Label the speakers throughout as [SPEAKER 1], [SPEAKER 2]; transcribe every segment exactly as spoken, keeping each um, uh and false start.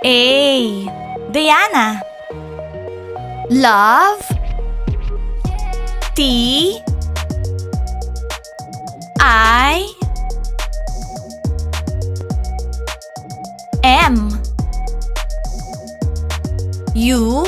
[SPEAKER 1] A. Diana. Love. T. I. M. U.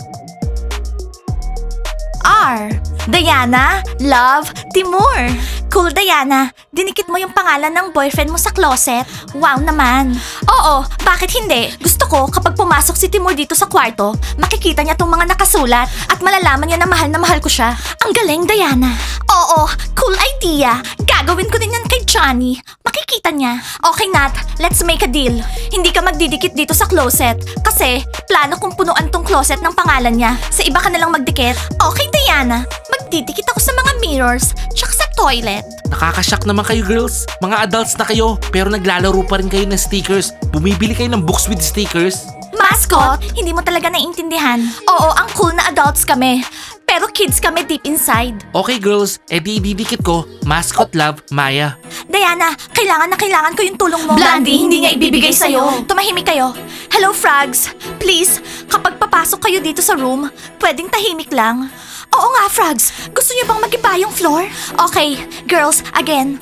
[SPEAKER 1] R. Diana, Love, Timur. Cool, Diana. Dinikit mo yung pangalan ng boyfriend mo sa closet. Wow naman. Oo, bakit hindi? Gusto ko kapag pumasok si Timur dito sa kwarto, makikita niya tong mga nakasulat at malalaman niya na mahal na mahal ko siya. Ang galing, Diana. Oo, cool idea. Gagawin ko din yan kay Johnny. Makikita niya. Okay, Nat. Let's make a deal. Hindi ka magdidikit dito sa closet kasi plano kong punuan tong closet ng pangalan niya. Sa iba ka nalang magdikit. Okay, Diana. Magdidikit ako sa mga mirrors tsaka sa toilet.
[SPEAKER 2] Nakakashock naman kayo girls. Mga adults na kayo pero naglalaro pa rin kayo ng stickers. Bumibili kayo ng books with stickers.
[SPEAKER 1] Mascot, hindi mo talaga naiintindihan. Oo, ang cool na adults kami. Pero kids kami deep inside.
[SPEAKER 2] Okay girls, edi didikit ko. Mascot Love, Maya.
[SPEAKER 1] Diana, kailangan na kailangan ko yung tulong mo. Blandy, hindi niya ibibigay sa'yo. Tumahimik kayo. Hello, Frogs. Please, kapag papasok kayo dito sa room, pwedeng tahimik lang. Oo nga, Frogs. Gusto niyo bang mag-iba yung floor? Okay, girls, again.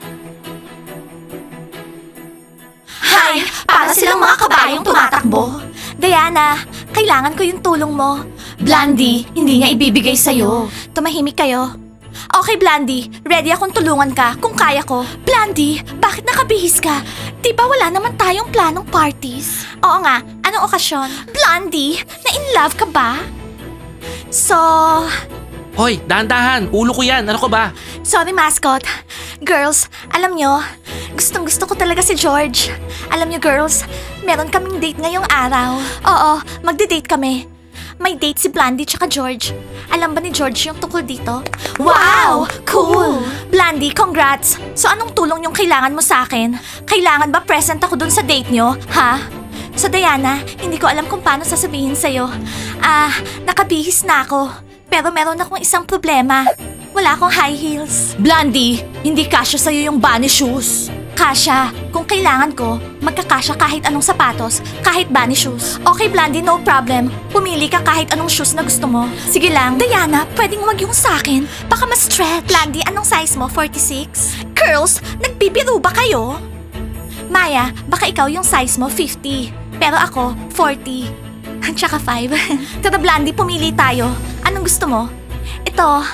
[SPEAKER 1] Hi! Para silang mga kabayong tumatakbo. Diana, kailangan ko yung tulong mo. Blandy, hindi niya ibibigay sa'yo. Tumahimik kayo. Okay, Blandy. Ready akong tulungan ka kung kaya ko. Blandy, bakit nakabihis ka? Di ba wala naman tayong planong parties? Oo nga. Anong okasyon? Blandy, na-in love ka ba? So...
[SPEAKER 2] Hoy, dahan-dahan. Ulo ko yan. Ano ko ba?
[SPEAKER 1] Sorry, mascot. Girls, alam nyo, gustong gusto ko talaga si George. Alam nyo, girls, meron kaming date ngayong araw. Oo, magde-date kami. May date si Blandy tsaka George. Alam ba ni George yung tungkol dito? Wow! Cool! Blandy, congrats! So anong tulong yung kailangan mo sa akin? Kailangan ba present ako dun sa date nyo? Ha? So Diana, hindi ko alam kung paano sasabihin sa'yo. Ah, nakabihis na ako. Pero meron akong isang problema. Wala akong high heels. Blandy, hindi kasya sa'yo yung bunny shoes. Kasya. Kung kailangan ko, magkakasya kahit anong sapatos, kahit bunny shoes. Okay, Blandy, no problem. Pumili ka kahit anong shoes na gusto mo. Sige lang. Diana, pwedeng wag yung sa'kin. Baka ma-stretch. Blandy, anong size mo? forty-six? Girls, nagbibiro ba kayo? Maya, baka ikaw yung size mo fifty. Pero ako, forty. Tsaka five. Tara, Blandy, pumili tayo. Anong gusto mo? Ito.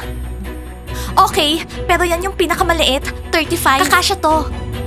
[SPEAKER 1] Okay, pero yan yung pinakamaliit, thirty-five. Kakasya to.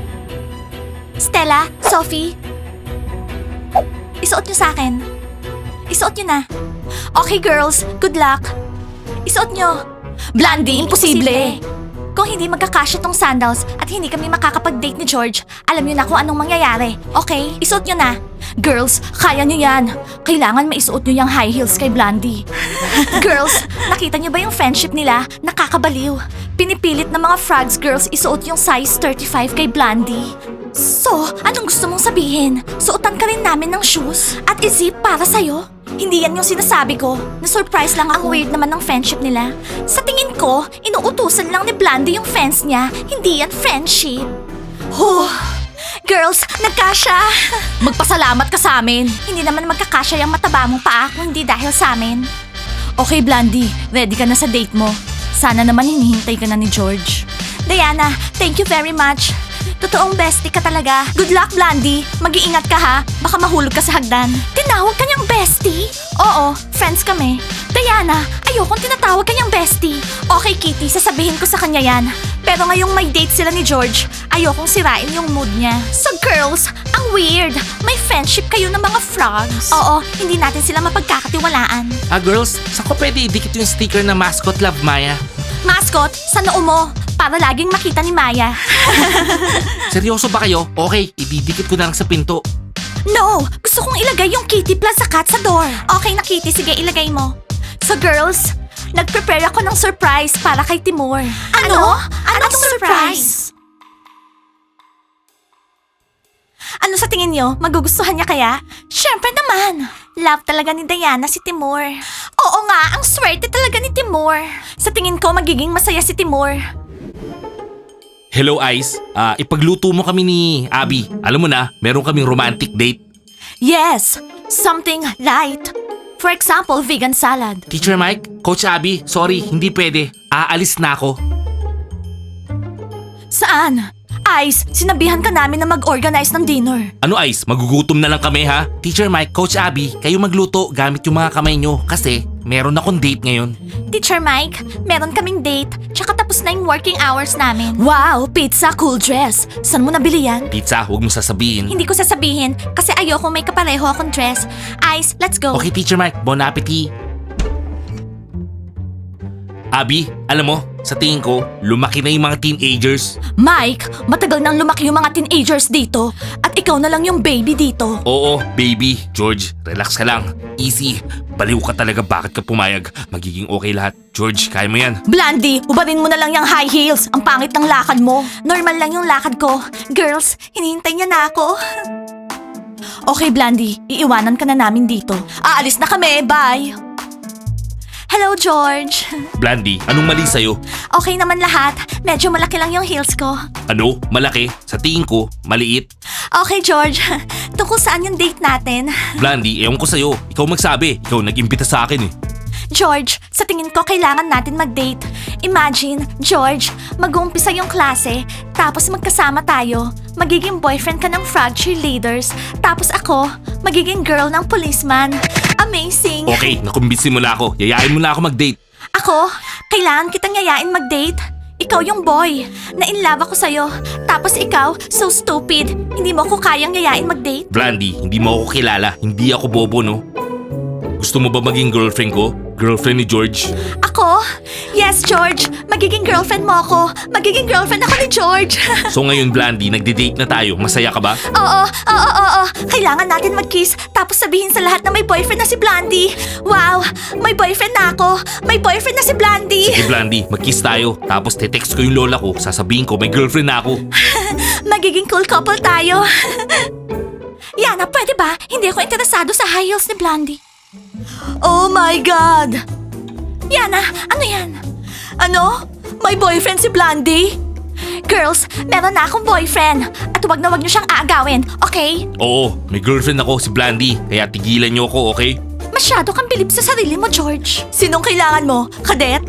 [SPEAKER 1] Stella, Sophie. Isuot nyo sa akin. Isuot nyo na. Okay, girls, good luck. Isuot nyo. Blandy, imposible. Kung hindi magkakasya tong sandals at hindi kami makakapag-date ni George, alam nyo na kung anong mangyayari. Okay? Isuot nyo na. Girls, kaya nyo yan. Kailangan maisuot nyo yung high heels kay Blandy. Girls, nakita nyo ba yung friendship nila? Nakakabaliw. Pinipilit ng mga Frogs girls isuot yung size thirty-five kay Blandy. So, anong gusto mong sabihin? Suotan ka rin namin ng shoes at isip para sa'yo? Hindi yan yung sinasabi ko. Na-surprise lang ako. Ang weird naman ng friendship nila. Sa tingin ko, inuutusan lang ni Blandy yung fans niya. Hindi yan friendship. Huh. Girls, nagkasya! Magpasalamat ka sa amin. Hindi naman magkakasya yung mataba mong paa kung hindi dahil sa amin. Okay, Blandy. Ready ka na sa date mo. Sana naman hinihintay ka na ni George. Diana, thank you very much. Totoong bestie ka talaga. Good luck, Blandy. Mag-iingat ka ha. Baka mahulog ka sa hagdan. Tinawag ka niyang bestie? Oo, friends kami. Diana, ayokong tinatawag ka niyang bestie. Okay, Kitty, sasabihin ko sa kanya yan. Pero ngayong may date sila ni George, ayokong sirain yung mood niya. So girls, ang weird. May friendship kayo ng mga frogs. Oo, hindi natin sila mapagkakatiwalaan.
[SPEAKER 2] Ah girls, saan ko pwede idikit yung sticker na Mascot Love, Maya?
[SPEAKER 1] Mascot, sa noo mo. Para laging makita ni Maya.
[SPEAKER 2] Seryoso ba kayo? Okay, ididikit ko na lang sa pinto.
[SPEAKER 1] No! Gusto kong ilagay yung Kitty plus sa cat sa door. Okay na, Kitty. Sige, ilagay mo. So, girls, nag-prepare ako ng surprise para kay Timur. Ano? Anong surprise? Ano sa tingin nyo? Magugustuhan niya kaya? Siyempre naman! Love talaga ni Diana si Timur. Oo nga, ang swerte talaga ni Timur. Sa tingin ko, magiging masaya si Timur.
[SPEAKER 2] Hello Ice, Ah, ipagluto mo kami ni Abby. Alam mo na, meron kaming romantic date.
[SPEAKER 1] Yes, something light. For example, vegan salad.
[SPEAKER 2] Teacher Mike, Coach Abby, sorry, hindi pwede. Aalis na ako.
[SPEAKER 1] Saan? Ice, sinabihan ka namin na mag-organize ng dinner.
[SPEAKER 2] Ano Ice, magugutom na lang kami ha? Teacher Mike, Coach Abby, kayo magluto gamit yung mga kamay nyo kasi meron akong date ngayon.
[SPEAKER 1] Teacher Mike, meron kaming date, tsaka tapos na yung working hours namin. Wow, pizza, cool dress. Saan mo nabili yan?
[SPEAKER 2] Pizza, huwag mo sasabihin.
[SPEAKER 1] Hindi ko sasabihin kasi ayoko may kapareho akong dress. Ice, let's go.
[SPEAKER 2] Okay, Teacher Mike, bon appetit. Abby, alam mo, sa tingin ko, lumaki na yung mga teenagers.
[SPEAKER 1] Mike, matagal nang lumaki yung mga teenagers dito at ikaw na lang yung baby dito.
[SPEAKER 2] Oo, baby. George, relax ka lang. Easy. Baliw ka talaga, bakit ka pumayag? Magiging okay lahat. George, kaya mo yan.
[SPEAKER 1] Blandy, ubarin mo na lang yung high heels. Ang pangit ng lakad mo. Normal lang yung lakad ko. Girls, hinihintay niya na ako. Okay, Blandy, iiwanan ka na namin dito. Aalis na kami, bye! Hello, George.
[SPEAKER 2] Blandy, anong mali sa'yo?
[SPEAKER 1] Okay naman lahat. Medyo malaki lang yung heels ko.
[SPEAKER 2] Ano? Malaki? Sa tingin ko, maliit.
[SPEAKER 1] Okay, George. Tungkol saan yung date natin?
[SPEAKER 2] Blandy, ewan ko sa'yo. Ikaw magsabi. Ikaw nag-imbita sa akin eh.
[SPEAKER 1] George, sa tingin ko kailangan natin mag-date. Imagine, George, mag-uumpisa yung klase, tapos magkasama tayo. Magiging boyfriend ka ng frog cheerleaders, tapos ako, magiging girl ng policeman. Amazing!
[SPEAKER 2] Okay, nakumbinsi mo na ako. Yayain mo na ako mag-date.
[SPEAKER 1] Ako, kailangan kitang yayain mag-date. Ikaw yung boy. Na-inlove ako sa'yo. Tapos ikaw, so stupid. Hindi mo ako kayang yayain mag-date.
[SPEAKER 2] Blandy, hindi mo ako kilala. Hindi ako bobo, no? Gusto mo ba maging girlfriend ko? Girlfriend ni George?
[SPEAKER 1] Ako? Yes, George. Magiging girlfriend mo ako. Magiging girlfriend ako ni George.
[SPEAKER 2] So ngayon, Blandy, nagde-date na tayo. Masaya ka ba?
[SPEAKER 1] Oo, oo, oo, oo. Kailangan natin mag-kiss tapos sabihin sa lahat na may boyfriend na si Blandy. Wow, may boyfriend na ako. May boyfriend na si Blandy.
[SPEAKER 2] Sige, Blandy, mag-kiss tayo. Tapos te-text ko yung lola ko. Sasabihin ko, may girlfriend na ako.
[SPEAKER 1] Magiging cool couple tayo. Yana, pwede ba? Hindi ako interesado sa high heels ni Blandy. Oh my God! Yana, ano yan? Ano? May boyfriend si Blandy? Girls, meron na akong boyfriend. At huwag na huwag niyo siyang aagawin, okay?
[SPEAKER 2] Oo, may girlfriend ako si Blandy. Kaya tigilan niyo ako, okay?
[SPEAKER 1] Masyado kang bilib sa sarili mo, George. Sinong kailangan mo? Kadet?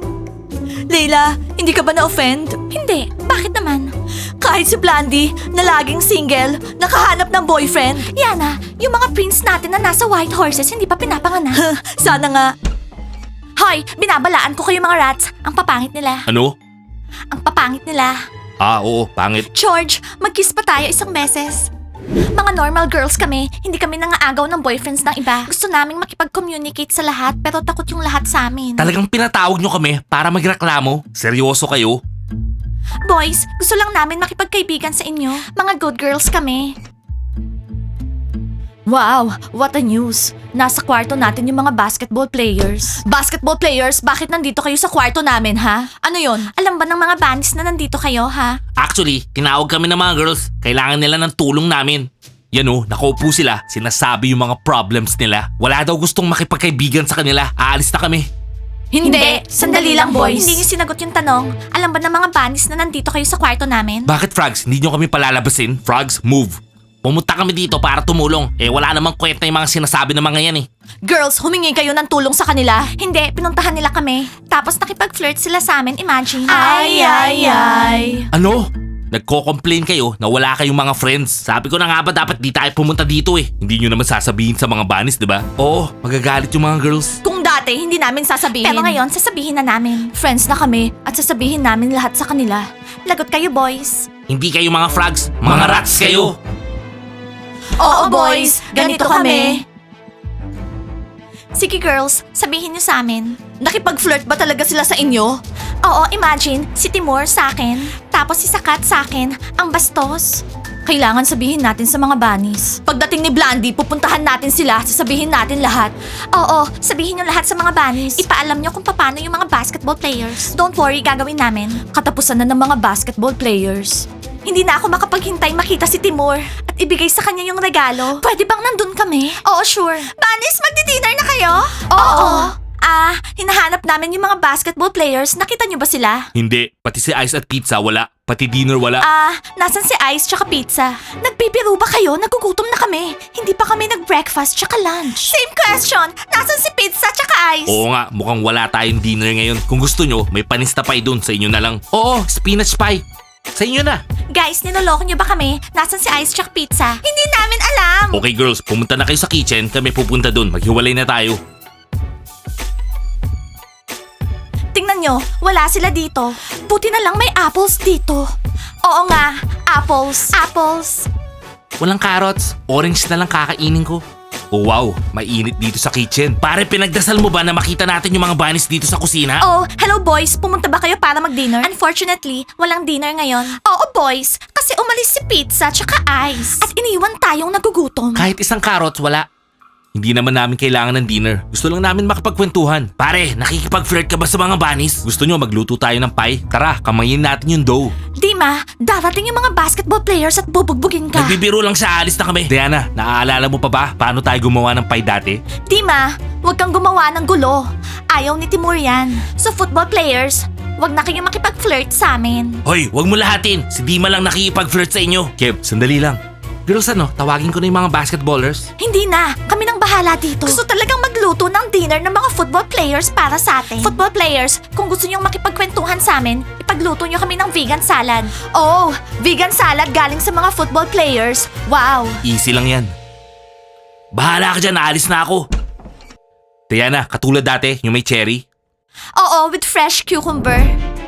[SPEAKER 1] Leila, hindi ka ba na-offend? Hindi. Bakit naman? Kahit si Blandy, na laging single, nakahanap ng boyfriend. Yana, yung mga prince natin na nasa white horses hindi pa pinapanganak. Sana nga. Hoy, binabalaan ko kayo mga rats. Ang papangit nila.
[SPEAKER 2] Ano?
[SPEAKER 1] Ang papangit nila.
[SPEAKER 2] Ah, oo, pangit.
[SPEAKER 1] George, mag-kiss pa tayo isang beses. Mga normal girls kami, hindi kami nangaagaw ng boyfriends ng iba. Gusto naming makipag-communicate sa lahat pero takot yung lahat sa amin.
[SPEAKER 2] Talagang pinatawag nyo kami para magreklamo? Seryoso kayo?
[SPEAKER 1] Boys, gusto lang namin makipagkaibigan sa inyo. Mga good girls kami. Wow, what a news. Nasa kwarto natin yung mga basketball players. Basketball players, bakit nandito kayo sa kwarto namin, ha? Ano yon? Alam ba ng mga bunnies na nandito kayo, ha?
[SPEAKER 2] Actually, tinawag kami ng mga girls. Kailangan nila ng tulong namin. Yan o, nakaupo sila. Sinasabi yung mga problems nila. Wala daw gustong makipagkaibigan sa kanila. Aalis na kami.
[SPEAKER 1] Hindi, sandali lang, boys. Hindi niyo sinagot yung tanong. Alam ba ng mga bunnies na nandito kayo sa kwarto namin?
[SPEAKER 2] Bakit, Frogs? Hindi nyo kami palalabasin? Frogs, move. Pumunta kami dito para tumulong. Eh wala namang kwenta yung mga sinasabi ng mga yan eh.
[SPEAKER 1] Girls, humingi kayo ng tulong sa kanila. Hindi, pinuntahan nila kami. Tapos nakipag-flirt sila sa amin, imagine. Ay, ay, ay.
[SPEAKER 2] Ano? Nagko-complain kayo na wala kayong mga friends. Sabi ko na nga ba dapat di tayo pumunta dito eh. Hindi nyo naman sasabihin sa mga bunnies, di ba? Oo, magagalit yung mga girls.
[SPEAKER 1] Kung dati, hindi namin sasabihin. Pero ngayon, sasabihin na namin. Friends na kami at sasabihin namin lahat sa kanila. Lagot kayo, boys.
[SPEAKER 2] Hindi kayo mga frogs, mga rats kayo.
[SPEAKER 1] Oo, boys. Ganito kami. Sige, girls. Sabihin niyo sa amin. Nakipag-flirt ba talaga sila sa inyo? Oo, imagine. Si Timur sa akin. Tapos si Sakat sa akin. Ang bastos. Kailangan sabihin natin sa mga bunnies. Pagdating ni Blandy, pupuntahan natin sila. Sasabihin natin lahat. Oo, sabihin niyo lahat sa mga bunnies. Ipaalam niyo kung paano yung mga basketball players. Don't worry, gagawin namin. Katapusan na ng mga basketball players. Hindi na ako makapaghintay makita si Timur at ibigay sa kanya yung regalo. Pwede bang nandun kami? Oo, sure. Bunnies, magdi-dinner na kayo? Oo. Ah, hinahanap namin yung mga basketball players. Nakita niyo ba sila?
[SPEAKER 2] Hindi, pati si Ice at Pizza wala. Pati dinner wala.
[SPEAKER 1] Ah, nasan si Ice tsaka pizza? Nagbibiro ba kayo? Nagugutom na kami. Hindi pa kami nag-breakfast tsaka lunch. Same question. Nasan si pizza tsaka Ice?
[SPEAKER 2] Oo nga, mukhang wala tayong dinner ngayon. Kung gusto nyo, may panis na pie dun. Sa inyo na lang. Oo, spinach pie. Sa inyo na.
[SPEAKER 1] Guys, niloloko niyo ba kami? Nasan si Ice tsaka pizza? Hindi namin alam.
[SPEAKER 2] Okay girls, pumunta na kayo sa kitchen. Kami pupunta dun. Maghiwalay na tayo.
[SPEAKER 1] Tingnan nyo, wala sila dito. Buti na lang may apples dito. Oo nga, apples. Apples.
[SPEAKER 2] Walang carrots. Orange na lang kakainin ko. Oh wow, mainit dito sa kitchen. Pare, pinagdasal mo ba na makita natin yung mga bunnies dito sa kusina?
[SPEAKER 1] Oh, hello boys. Pumunta ba kayo para mag-dinner? Unfortunately, walang dinner ngayon. Oo boys, kasi umalis si pizza tsaka ice. At iniwan tayong nagugutom.
[SPEAKER 2] Kahit isang carrots, wala. Hindi naman namin kailangan ng dinner. Gusto lang namin makipagkwentuhan. Pare, nakikipag-flirt ka ba sa mga bunnies? Gusto nyo magluto tayo ng pie? Tara, kamayin natin yung dough.
[SPEAKER 1] Dima, darating yung mga basketball players at bubugbugin ka.
[SPEAKER 2] Nagbibiro lang siya, alis na kami. Diana, naaalala mo pa ba paano tayo gumawa ng pie dati?
[SPEAKER 1] Dima, huwag kang gumawa ng gulo. Ayaw ni Timur yan. So football players, huwag na kayong makipag-flirt sa amin.
[SPEAKER 2] Hoy, wag mo lahatin. Si Dima lang nakikipag-flirt sa inyo. Kev, sandali lang. Girls, ano, tawagin ko na yung mga basketballers.
[SPEAKER 1] Hindi na, kami nang bahala dito. Gusto talagang magluto ng dinner ng mga football players para sa atin. Football players, kung gusto niyong makipagkwentuhan sa amin, ipagluto niyo kami ng vegan salad. Oh, vegan salad galing sa mga football players. Wow.
[SPEAKER 2] Easy lang yan. Bahala ka dyan, aalis na ako. Diana, katulad dati, yung may cherry.
[SPEAKER 1] Oo, with fresh cucumber.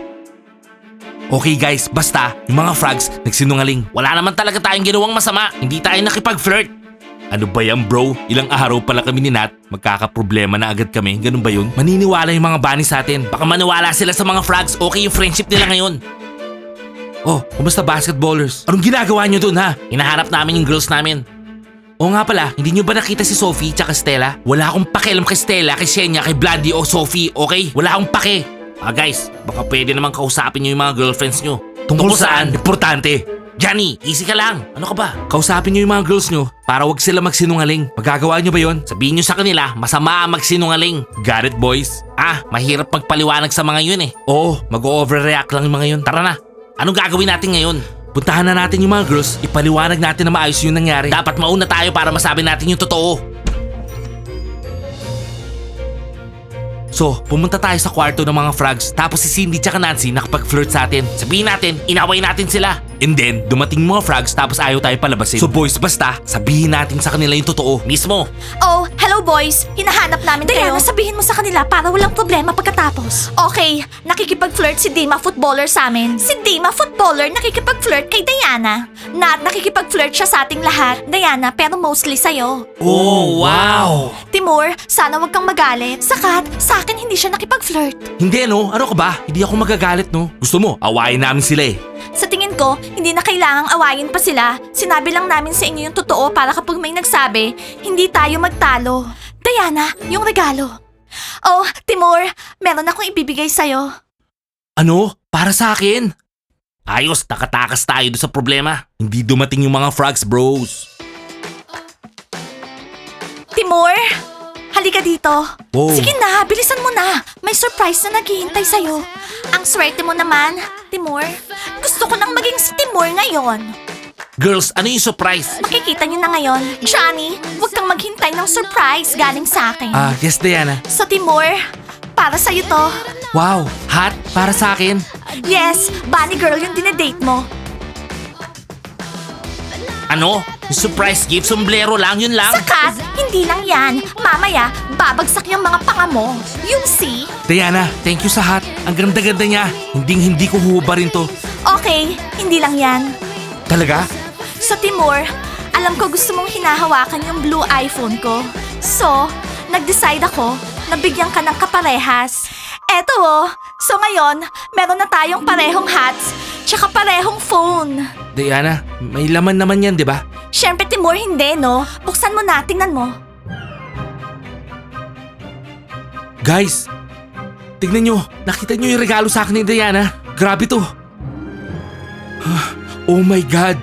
[SPEAKER 2] Okay guys, basta, yung mga frogs nagsinungaling. Wala naman talaga tayong ginawang masama. Hindi tayo nakipag-flirt. Ano ba yan bro? Ilang araw pala kami ni Nat. Magkakaproblema na agad kami. Ganun ba yun? Maniniwala yung mga bunny sa atin. Baka maniwala sila sa mga frogs. Okay yung friendship nila ngayon. Oh, kumusta basketballers? Anong ginagawa nyo dun ha? Hinahanap namin yung girls namin. Oo nga pala, hindi nyo ba nakita si Sophie tsaka Stella? Wala akong pakialam kay Stella, kay Shenya, kay Blondie o Sophie, okay? Wala akong pake. Ah guys, baka pwede naman kausapin nyo yung mga girlfriends nyo. Tungkol saan? Importante. Johnny, easy ka lang. Ano ka ba? Kausapin nyo yung mga girls nyo para wag sila magsinungaling. Magagawa nyo ba yon? Sabihin nyo sa kanila, masama ang magsinungaling. Got it boys? Ah, mahirap magpaliwanag sa mga yun eh. Oo, mag-overreact lang yung mga yun. Tara na. Anong gagawin natin ngayon? Puntahan na natin yung mga girls, ipaliwanag natin na maayos yung nangyari. Dapat mauna tayo para masabi natin yung totoo. So, pumunta tayo sa kwarto ng mga frogs tapos si Cindy tsaka Nancy nakapag-flirt sa atin. Sabihin natin, inaway natin sila. And then, dumating mga frogs tapos ayaw tayo palabasin. So boys, basta, sabihin natin sa kanila yung totoo. Mismo.
[SPEAKER 1] Oh, hello boys. Hinahanap namin kayo. Diana, sabihin mo sa kanila para walang problema pagkatapos. Okay, nakikipag-flirt si Dima Footballer sa amin. Si Dima Footballer nakikipag-flirt kay Diana. Nat, nakikipag-flirt siya sa ating lahat. Diana, pero mostly sa'yo.
[SPEAKER 2] Oh, wow!
[SPEAKER 1] Timur, sana wag kang magalit. Sakat, sa akin hindi siya nakipag-flirt.
[SPEAKER 2] Hindi no, ano ka ba? Hindi ako magagalit no. Gusto mo, awayin namin sila eh.
[SPEAKER 1] Sa tingin ko, hindi na kailangang awayin pa sila. Sinabi lang namin sa inyo yung totoo para kapag may nagsabi, hindi tayo magtalo. Diana, yung regalo. Oh, Timur, meron akong ibibigay sa'yo.
[SPEAKER 2] Ano? Para sa akin? Ayos, nakatakas tayo doon sa problema. Hindi dumating yung mga frogs bros.
[SPEAKER 1] Timur, halika dito.
[SPEAKER 2] Wow.
[SPEAKER 1] Sige na, bilisan mo na. May surprise na naghihintay sa'yo. Ang swerte mo naman, Timur. Gusto ko nang maging si Timur ngayon.
[SPEAKER 2] Girls, ano yung surprise?
[SPEAKER 1] Makikita niyo na ngayon. Johnny, huwag kang maghintay ng surprise galing sa akin.
[SPEAKER 2] Ah, yes Diana.
[SPEAKER 1] So Timur, para sa'yo to.
[SPEAKER 2] Wow, hot para sa akin.
[SPEAKER 1] Yes, bunny girl yung dinedate mo.
[SPEAKER 2] Ano? Yung surprise gift, sombrero lang, yun lang?
[SPEAKER 1] Sakat, hindi lang yan. Mamaya, babagsak yung mga panga mo. Yung see?
[SPEAKER 2] Diana, thank you sa hat. Ang ganda-ganda niya. Hindi hindi ko huhubarin to.
[SPEAKER 1] Okay, hindi lang yan.
[SPEAKER 2] Talaga?
[SPEAKER 1] So Timur, alam ko gusto mong hinahawakan yung blue iPhone ko. So, nag-decide ako na bigyan ka ng kaparehas. Eto oh, so ngayon, meron na tayong parehong hats, tsaka parehong phone.
[SPEAKER 2] Diana, may laman naman yan, di ba?
[SPEAKER 1] Siyempre Timur, hindi no? Buksan mo na, tingnan mo.
[SPEAKER 2] Guys, tignan nyo. Nakita nyo yung regalo sa akin ni Diana. Grabe to. Oh my God.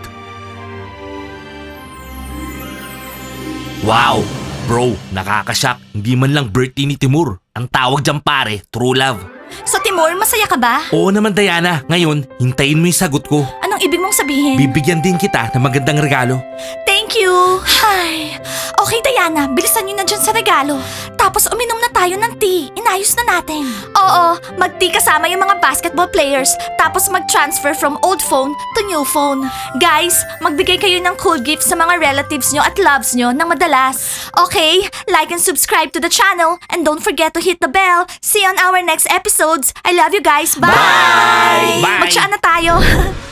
[SPEAKER 2] Wow. Bro, nakakashock. Hindi man lang birthday ni Timur. Ang tawag dyan pare, true love.
[SPEAKER 1] So Timur, masaya ka ba?
[SPEAKER 2] Oo naman Diana, ngayon, hintayin mo yung sagot ko.
[SPEAKER 1] Anong ibig mong sabihin?
[SPEAKER 2] Bibigyan din kita ng magandang regalo.
[SPEAKER 1] Thank you! Ay, okay Diana, bilisan nyo na dyan sa regalo. Tapos uminom na tayo ng tea. Inayos na natin. Oo, mag-tea kasama yung mga basketball players. Tapos mag-transfer from old phone to new phone. Guys, magbigay kayo ng cool gifts sa mga relatives nyo at loves nyo ng madalas. Okay, like and subscribe to the channel. And don't forget to hit the bell. See you on our next episodes. I love you guys. Bye!
[SPEAKER 2] Bye!
[SPEAKER 1] Mag-chat na tayo.